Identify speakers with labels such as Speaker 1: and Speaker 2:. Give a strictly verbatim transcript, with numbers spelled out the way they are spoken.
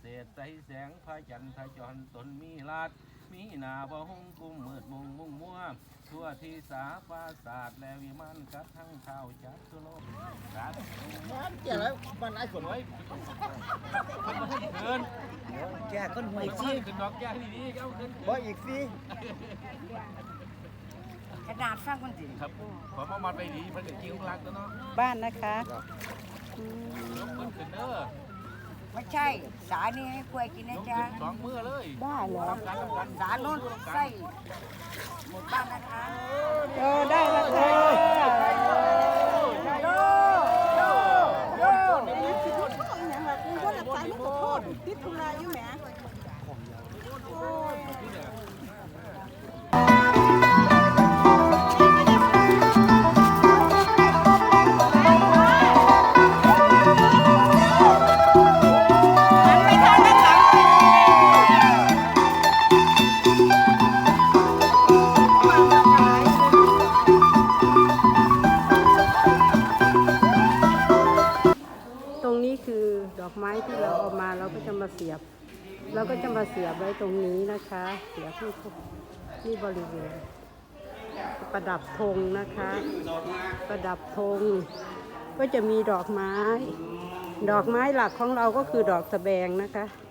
Speaker 1: ษใสแสงพระจันทร์พระจรตนมีลาดมีหนาบ่หงกุ้มมืดมุงมุ่งมัวทั่วที่สาปราศาสตร์และวิมานกัดทั้งเท้าจัดทุโลกสาธุเกี่ยวแล้วมันไอ้ฝนไว้คนมาให้เกิน
Speaker 2: แก่คนห่วย
Speaker 1: ซี
Speaker 2: ซี่
Speaker 1: ขึ้นดอกแก้ดีๆเจ้าขึ้น
Speaker 2: บ่อีกซี่
Speaker 3: กระดาษฟังคนสิ
Speaker 1: ครับขอมามัดไปดีมันจะกิ้วรักแล้วเนาะ
Speaker 4: บ้านนะคะอืม
Speaker 1: ยกขึ้นขึ้นเด้อ
Speaker 3: ไม่ใช่สานี่ให้กล้วยกินนะ
Speaker 1: ยก
Speaker 3: จ๊ะ
Speaker 1: ขึ้นสองมือเลย
Speaker 4: ได้เหรอ
Speaker 1: ทำกันทำกัน
Speaker 3: สาโน้นใส่หมดบ้านนะคะ
Speaker 4: เออได้แล้วค่ะ
Speaker 3: โยโยโย
Speaker 5: อย่างแบบมีคนหลับใจไม่ขอโทษติดธุระอยู่แหม
Speaker 4: ตรงนี้คือดอกไม้ที่เราเอามาเราก็จะมาเสียบ เราก็จะมาเสียบไว้ตรงนี้นะคะ เสียบที่ที่บริเวณประดับธงนะคะ ประดับธงก็จะมีดอกไม้ ดอกไม้หลักของเราก็คือดอกสะแบงนะคะ